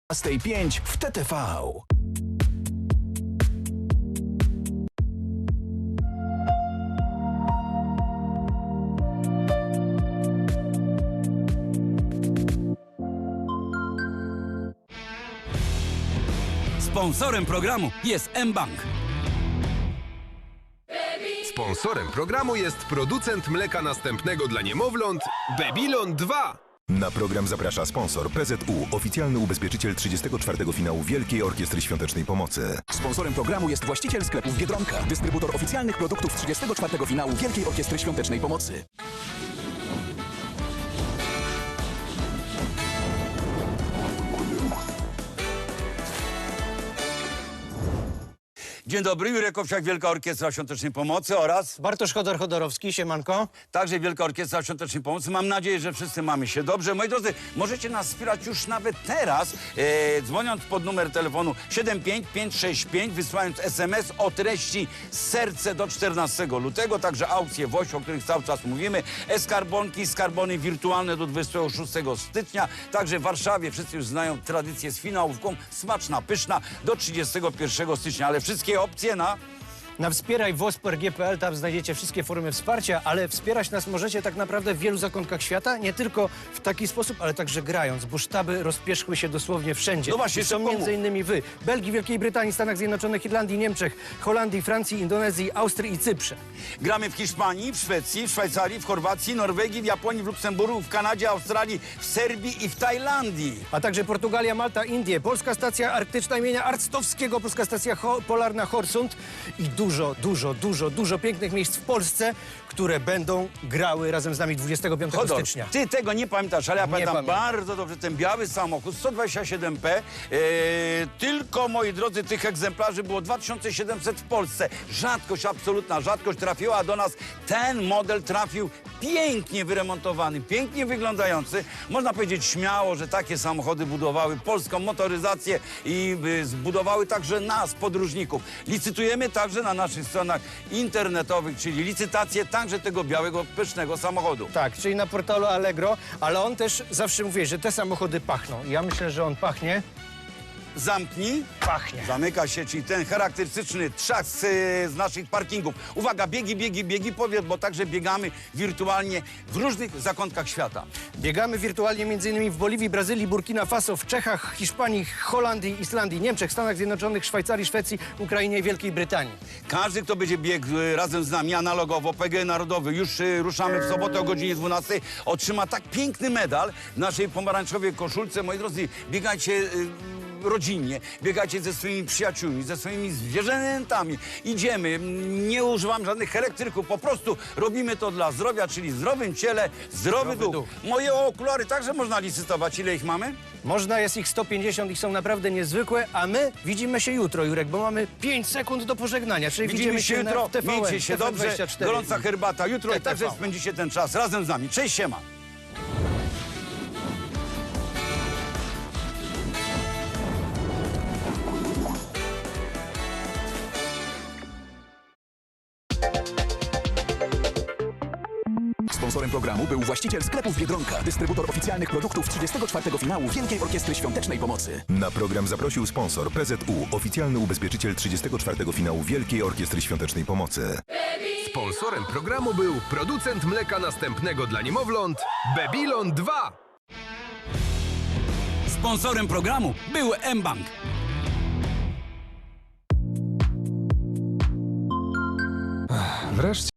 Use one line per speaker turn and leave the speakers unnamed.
5 w TTV.
Sponsorem programu jest mBank.
Sponsorem programu jest producent mleka następnego dla niemowląt Babylon 2.
Na program zaprasza sponsor PZU, oficjalny ubezpieczyciel 34. finału Wielkiej Orkiestry Świątecznej Pomocy.
Sponsorem programu jest właściciel sklepów Biedronka, dystrybutor oficjalnych produktów 34. finału Wielkiej Orkiestry Świątecznej Pomocy.
Dzień dobry, Jurek Owsiak, Wielka Orkiestra Świątecznej Pomocy oraz
Bartosz Chodor-Chodorowski, siemanko.
także Wielka Orkiestra Świątecznej Pomocy. Mam nadzieję, że wszyscy mamy się dobrze. Moi drodzy, możecie nas wspierać już nawet teraz, dzwoniąc pod numer telefonu 75565, wysyłając SMS o treści serce do 14 lutego, także aukcje WOŚ, o których cały czas mówimy, e-skarbonki, skarbony wirtualne do 26 stycznia, także w Warszawie wszyscy już znają tradycję z finałówką, smaczna, pyszna, do 31 stycznia, ale wszystkie opcje
Na wspierajwosper.gpl, tam znajdziecie wszystkie formy wsparcia, ale wspierać nas możecie tak naprawdę w wielu zakątkach świata, nie tylko w taki sposób, ale także grając, bo sztaby rozpierzchły się dosłownie wszędzie.
No właśnie,
I są
szybko
między innymi wy, Belgii, Wielkiej Brytanii, Stanach Zjednoczonych, Irlandii, Niemczech, Holandii, Francji, Indonezji, Austrii i Cyprze.
Gramy w Hiszpanii, w Szwecji, w Szwajcarii, w Chorwacji, Norwegii, w Japonii, w Luksemburgu, w Kanadzie, Australii, w Serbii i w Tajlandii.
A także Portugalia, Malta, Indie, Polska Stacja Arktyczna imienia Arctowskiego, Polska Stacja Polarna Horsund i dużo pięknych miejsc w Polsce, które będą grały razem z nami 25
Chodor,
stycznia.
ty tego nie pamiętasz, ale ja pamiętam
pamiętam.
bardzo dobrze ten biały samochód 127P. Tylko, moi drodzy, tych egzemplarzy było 2700 w Polsce. Rzadkość, absolutna rzadkość trafiła do nas. Ten model trafił pięknie wyremontowany, pięknie wyglądający. Można powiedzieć śmiało, że takie samochody budowały polską motoryzację i zbudowały także nas, podróżników. Licytujemy także na naszych stronach internetowych, czyli licytacje także tego białego, pysznego samochodu.
Tak, czyli na portalu Allegro, ale on też zawsze mówi, że te samochody pachną. Ja myślę, że on pachnie.
Zamknij.
Pachnie.
Zamyka się, czyli ten charakterystyczny trzask z naszych parkingów. Uwaga, biegi, powiedz, bo także biegamy wirtualnie w różnych zakątkach świata.
Biegamy wirtualnie m.in. w Boliwii, Brazylii, Burkina Faso, w Czechach, Hiszpanii, Holandii, Islandii, Niemczech, Stanach Zjednoczonych, Szwajcarii, Szwecji, Ukrainie i Wielkiej Brytanii.
Każdy, kto będzie biegł razem z nami analogowo, PGE Narodowy, już ruszamy w sobotę o godzinie 12, otrzyma tak piękny medal w naszej pomarańczowej koszulce. Moi drodzy, biegajcie rodzinnie, biegajcie ze swoimi przyjaciółmi, ze swoimi zwierzętami. Idziemy, nie używam żadnych elektryków, po prostu robimy to dla zdrowia, czyli w zdrowym ciele, zdrowy duch. Moje okulary także można licytować. Ile ich mamy?
Można, jest ich 150, ich są naprawdę niezwykłe, a my widzimy się jutro, Jurek, bo mamy 5 sekund do pożegnania, czyli
Widzimy się jutro,
w TVN,
miejcie się dobrze,
TVN24.
gorąca herbata. Jutro
TTV.
także spędzicie ten czas razem z nami. Cześć, siema.
Sponsorem programu był właściciel sklepów Biedronka, dystrybutor oficjalnych produktów 34. finału Wielkiej Orkiestry Świątecznej Pomocy.
Na program zaprosił sponsor PZU, oficjalny ubezpieczyciel 34. finału Wielkiej Orkiestry Świątecznej Pomocy.
Sponsorem programu był producent mleka następnego dla niemowląt Babylon 2.
Sponsorem programu był mBank.
Wreszcie.